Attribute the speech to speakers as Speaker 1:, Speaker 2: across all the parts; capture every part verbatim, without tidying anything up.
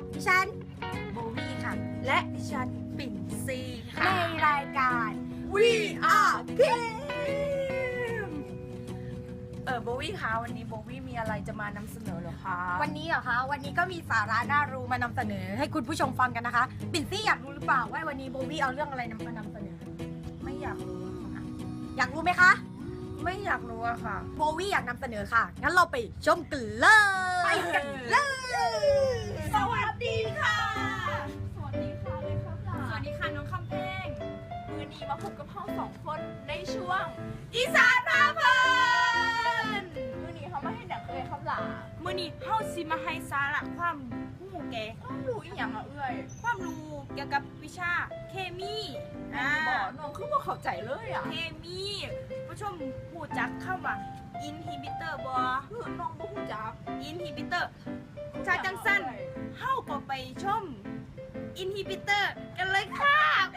Speaker 1: ดิฉันโบวี่ค่ะ
Speaker 2: และดิฉันปิ่นซีค่ะ
Speaker 1: ในรายการ
Speaker 2: We Are Game เออโบวี่คะวันนี้โบวี่มีอะไรจะมานำเสนอเหรอคะ
Speaker 1: วันนี้เหรอคะวันนี้ก็มีสาระน่ารู้มานำเสนอให้คุณผู้ชมฟังกันนะคะปิ่นซี่อยากรู้หรือเปล่าว่าวันนี้โบวี่เอาเรื่องอะไรนำมานำเสนอ
Speaker 2: ไม่อยากรู้ค่ะ
Speaker 1: อยากรู้ไหมคะ
Speaker 2: ไม่อยากรู้อะค่ะ
Speaker 1: โบวี่อยากนำเสนอค่ะงั้นเราไปชมกันเลยไปกันเลย
Speaker 2: สวัสดีค่ะ สวัสดีค่ะเลยครับสวัสดีค่ะน้องคำเพลงมือนี้มาพบกับพ่อสองคนในช่วงอีสานพาเพลินมือนี้เขามาให้ดังเคยครับหล่ะมือนี้เฮาสิมาให้สาระความรู้แกความรู้อีหยังอะเอ้ยความรู้เกี่ยวกับวิชาเคมีอ่าบอกน้องคือบ่เข้าใจเลยอะเคมีผู้ชมรู้จักคำว่าอินฮิบิเตอร์บ่คือน้องบ่รู้จักอินฮิบิเตอร์ชาจังสั้นเฮาก็ไปชมอินฮิบิเตอร์กันเลยค่ะ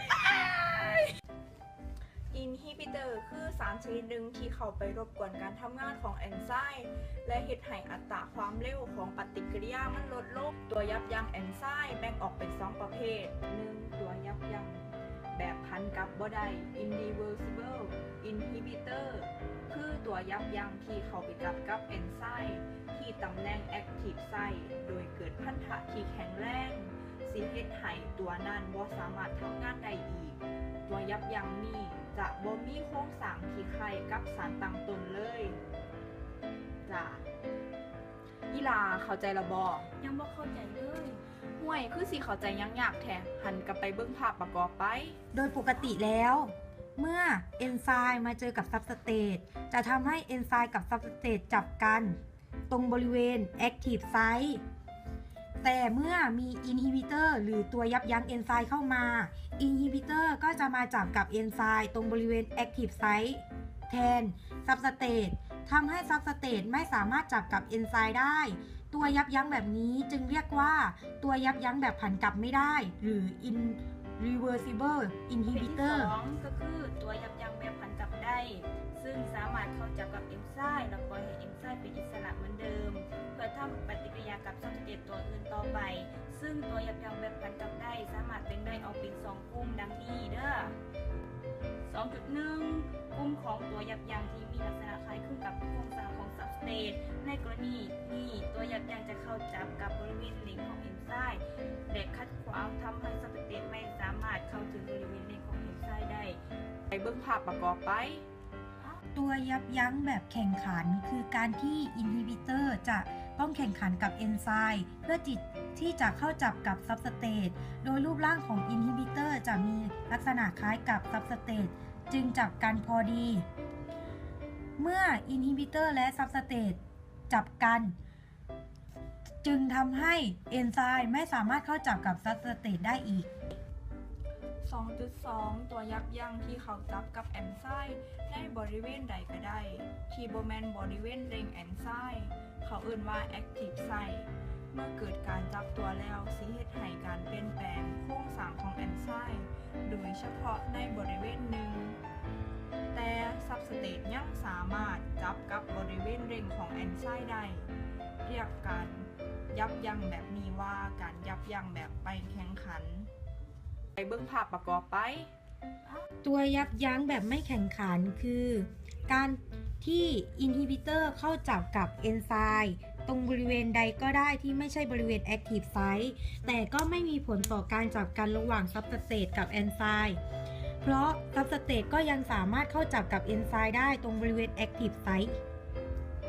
Speaker 2: อินฮิบิเตอร์คือสารชนิดหนึ่งที่เข้าไปรบกวนการทำงานของเอนไซม์และเฮ็ดให้อัตราความเร็วของปฏิกิริยามันลดลงตัวยับยั้งเอนไซม์แบ่งออกเป็นสองประเภทหนึ่งตัวยับยั้งแบบพันกับบ่ได้ irreversible inhibitor คือตัวยับยั้งที่เข้าไปจับกับเอนไซม์ที่ตำแหน่ง active site โดยเกิดพันธะที่แข็งแรงสิเฮ็ดให้ตัวนั้นบ่สามารถทำงานได้อีกตัวยับยั้งนี้จะบ่มีโครงสร้างที่คล้ายกับสารตั้งต้นเลยจ้ะอีลาเข้าใจละบ่ยังบ่เข้าใจเลยห่วยคือสิเข้าใจยังยากแท้หันกลับไปเบิ่งภาพประกอบไป
Speaker 1: โดยปกติแล้ว เมื่อเอนไซม์มาเจอกับซับสเตทจะทำให้เอนไซม์กับซับสเตทจับกันตรงบริเวณ Active Site แต่เมื่อมีอินฮิบิเตอร์หรือตัวยับยั้งเอนไซม์เข้ามาอินฮิบิเตอร์ก็จะมาจับกับเอนไซม์ตรงบริเวณ Active Site แทนซับสเตททำให้ซับสเตทไม่สามารถจับกับเอนไซม์ได้ตัวยับยั้งแบบนี้จึงเรียกว่าตัวยับยั้งแบบผันกลับไม่ได้หรือ irreversible
Speaker 2: ประเภท
Speaker 1: inhibitor
Speaker 2: ที่สองก็คือตัวยับยั้งแบบพันกลับได้ซึ่งสามารถเข้าจับกับเอนไซม์และปล่อยให้เอนไซม์เป็นอิสระเหมือนเดิมเพื่อทำปฏิกิริยากับซับสเตทตัวอื่นต่อไปซึ่งตัวยับยั้งแบบพันกลับได้สามารถแบ่งได้ออกเป็นสองกลุ่มดังนี้เด้อ สองจุดหนึ่ง กลุ่มของตัวยับยั้งที่มีลักษณะคล้ายคลึงกับโครงสร้างของซับสเตทในกรณีนี้ตัวยับยั้งจะเข้าจับกับบริเวณเล็งของเอนไซม์และขัดขวางทำให้ซับสเตทไม่สามารถเข้าถึงบริเวณเล็งของเอนไซม์ได้ไปเบิ่งภาพประกอบไป
Speaker 1: ตัวยับยั้งแบบแข่งขันคือการที่อินฮิบิเตอร์จะต้องแข่งขันกับเอนไซม์เพื่อจิตที่จะเข้าจับกับซับสเตทโดยรูปร่างของอินฮิบิเตอร์จะมีลักษณะคล้ายกับซับสเตทจึงจับกันพอดี เมื่ออินฮิบิเตอร์และซับสเตทจับกันจึงทำให้เอนไซม์ไม่สามารถเข้าจับกับซับสเตทได้อีก
Speaker 2: สองจุดสอง ตัวยับยั้งที่เขาจับกับแอนไซม์ในบริเวณใดก็ได้ที่บ่แม่นบริเวณเล็งแอนไซม์เขาเอ่นว่า active site เมื่อเกิดการจับตัวแล้วสิเฮ็ดให้การเปลี่ยนแปลงโครงสร้างของแอนไซม์โดยเฉพาะในบริเวณหนึ่งแต่ซับสเตทยังสามารถจับกับบริเวณเล็งของแอนไซม์ได้เรียกการยับยั้งแบบนี้ว่าการยับยั้งแบบไปแข่งขันไปเบิ่งภาพประกอบไป
Speaker 1: ตัวยับยั้งแบบไม่แข่งขันคือการที่อินฮิบิเตอร์เข้าจับกับเอนไซม์ตรงบริเวณใดก็ได้ที่ไม่ใช่บริเวณ Active Site แต่ก็ไม่มีผลต่อการจับกันระหว่างซับสเตทกับเอนไซม์เพราะซับสเตทก็ยังสามารถเข้าจับกับเอนไซม์ได้ตรงบริเวณ Active Site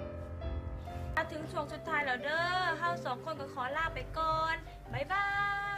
Speaker 2: มาถึงช่วงสุดท้ายแล้วเด้อเฮาสองคนก็ขอลาไปก่อนบ๊ายบาย